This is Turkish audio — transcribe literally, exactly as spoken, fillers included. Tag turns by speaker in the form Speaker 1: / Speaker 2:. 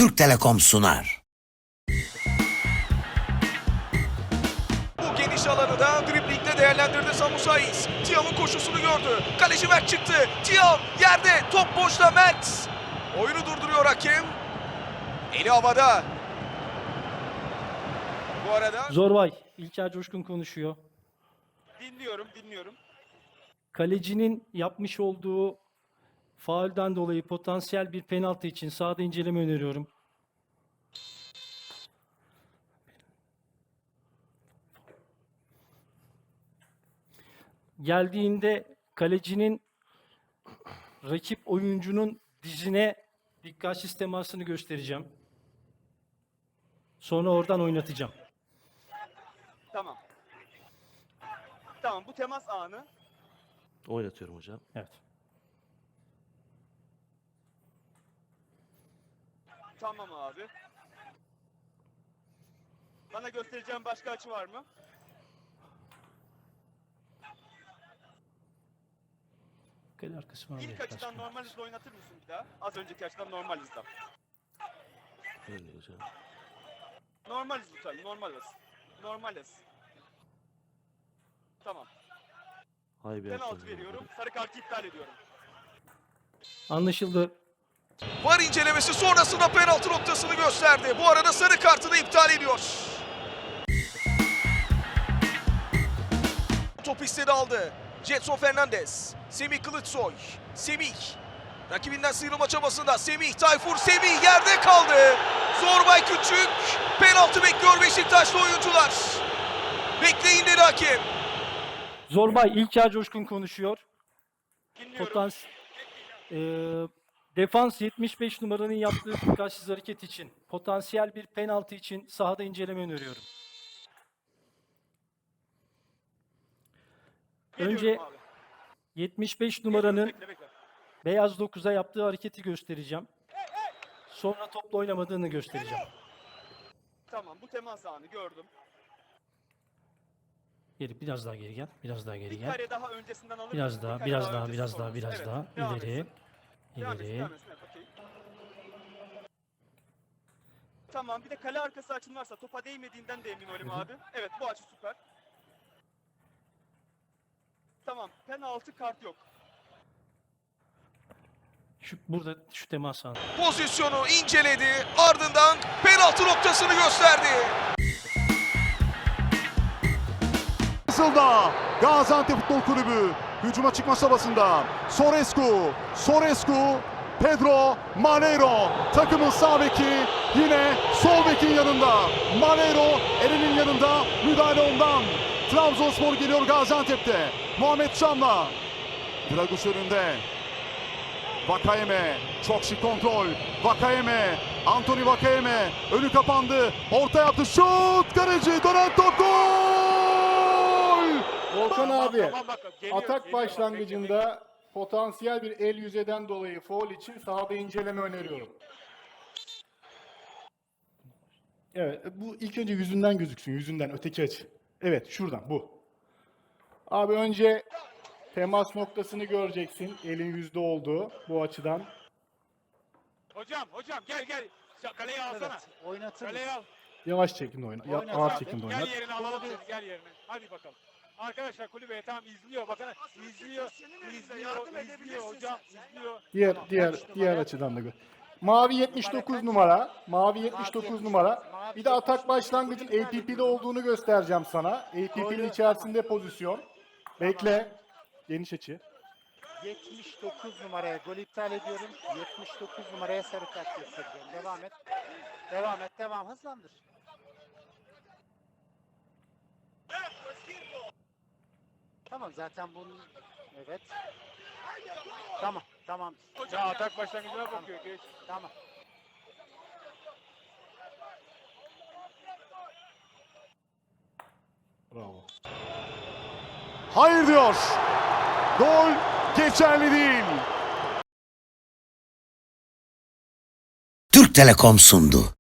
Speaker 1: Türk Telekom sunar.
Speaker 2: Bu geniş alanı da driblingde değerlendirdi Samu Saiz. Tiam'ın koşusunu gördü. Kaleci Mert çıktı. Tiam yerde. Top boşta Mert. Oyunu durduruyor hakem. Eli havada. Bu arada
Speaker 3: Zorbay, İlker Coşkun konuşuyor.
Speaker 2: dinliyorum, dinliyorum.
Speaker 3: Kalecinin yapmış olduğu faulden dolayı potansiyel bir penaltı için sahada inceleme öneriyorum. Geldiğinde kalecinin rakip oyuncunun dizine dikkatsiz temasını göstereceğim. Sonra oradan oynatacağım.
Speaker 4: Tamam. Tamam, bu temas anı.
Speaker 5: Oynatıyorum hocam.
Speaker 3: Evet.
Speaker 4: Tamam abi. Bana göstereceğim başka açı var mı?
Speaker 3: Kale arkası var mı?
Speaker 4: İlk açıdan normal hızla oynatır mısın bir daha? Az önceki açıdan normal hızla.
Speaker 5: Öyle hocam.
Speaker 4: Normal hız lütfen, normal hız. Normal hız. Tamam.
Speaker 5: Hay bir
Speaker 4: Penaltı
Speaker 5: yaptım
Speaker 4: veriyorum. Sarı kartı iptal ediyorum.
Speaker 3: Anlaşıldı.
Speaker 2: VAR incelemesi sonrasında penaltı noktasını gösterdi. Bu arada sarı kartını iptal ediyor. Top istedi aldı. Jetson Fernandez. Semih Kılıçsoy. Semih. Rakibinden sıyrılma çabasında. Semih Tayfur. Semih yerde kaldı. Zorbay Küçük. Penaltı bekliyor Beşiktaşlı oyuncular. Bekleyin dedi hakem.
Speaker 3: Zorbay, İlker Coşkun konuşuyor.
Speaker 4: Dinliyorum.
Speaker 3: Potans Eee, defans yetmiş beş numaranın yaptığı dikkatsiz hareket için, potansiyel bir penaltı için sahada inceleme öneriyorum.
Speaker 4: Geliyorum
Speaker 3: Önce
Speaker 4: abi.
Speaker 3: yetmiş beş numaranın
Speaker 4: Bekle, bekle.
Speaker 3: beyaz dokuza yaptığı hareketi göstereceğim. Sonra topla oynamadığını göstereceğim.
Speaker 4: Tamam, bu temas anı gördüm.
Speaker 3: Geri biraz daha geri gel, biraz daha geri
Speaker 4: Bir
Speaker 3: gel.
Speaker 4: kare daha öncesinden alır
Speaker 3: Biraz
Speaker 4: mısın?
Speaker 3: daha,
Speaker 4: Bir kare
Speaker 3: biraz daha,
Speaker 4: öncesi
Speaker 3: biraz daha,
Speaker 4: sonrası.
Speaker 3: biraz
Speaker 4: Evet,
Speaker 3: daha
Speaker 4: devam
Speaker 3: ileri,
Speaker 4: etsin. Devam etsin,
Speaker 3: ileri.
Speaker 4: devam etsin. Evet, okey. Tamam, bir de kale arkası açın varsa topa değmediğinden de emin olayım abi. Evet, bu açı süper. Tamam, penaltı kart yok.
Speaker 3: Şu burada şu temas anı.
Speaker 2: Pozisyonu inceledi. Ardından penaltı noktasını gösterdi.
Speaker 6: Sılda Gaziantep Futbol Kulübü hücuma çıkma çabasında Sorescu, Sorescu, Pedro Maneiro takımın sağ beki yine sol bekin yanında. Maneiro elinin yanında, müdahale ondan. Trabzonspor geliyor Gaziantep'te. Muhammed Çam'la. Draguş önünde. Vakayeme çok şık kontrol. Vakayeme, Anthony Vakayeme önü kapandı. Orta yaptı. Şut! Kaleci dönen top gol!
Speaker 7: Volkan abi,
Speaker 4: Tamam, bak, geliyor,
Speaker 7: atak
Speaker 4: geliyor,
Speaker 7: başlangıcında potansiyel bir el yüzeden dolayı faul için sahada inceleme öneriyorum. Evet, bu ilk önce yüzünden gözüksün, yüzünden, öteki açı. Evet, şuradan, bu. Abi önce temas noktasını göreceksin, elin yüzde olduğu bu açıdan.
Speaker 4: Hocam, hocam gel gel. Ya, Kaleyi alsana.
Speaker 8: Oynatır
Speaker 4: Kaleyi al.
Speaker 7: Yavaş çekimde oyna, ya,
Speaker 8: Oynat
Speaker 7: ağır
Speaker 8: abi.
Speaker 7: çekimde
Speaker 4: Gel
Speaker 7: oynat.
Speaker 4: yerine alalım seni, gel yerine. Hadi bakalım. Arkadaşlar kulübeye tam izliyor. Bakın izliyor, izliyor, izliyor hocam, izliyor.
Speaker 7: Diğer, diğer, diğer açıdan da gör. Mavi yetmiş dokuz numara, mavi yetmiş dokuz numara. Bir de atak başlangıcın A P P'de olduğunu göstereceğim sana. A P P'nin içerisinde pozisyon. Bekle. Geniş açı.
Speaker 8: yetmiş dokuz numaraya gol iptal ediyorum. yetmiş dokuz numaraya sarı kart göstereceğim. Devam et. Devam et. Devam. Hızlandır. Tamam zaten bunun... Evet. Tamam. Tamam.
Speaker 4: Ya atak başlangıcına bakıyor. Geç.
Speaker 8: Tamam.
Speaker 7: Bravo.
Speaker 6: Hayır diyor. Gol geçerli değil.
Speaker 1: Türk Telekom sundu.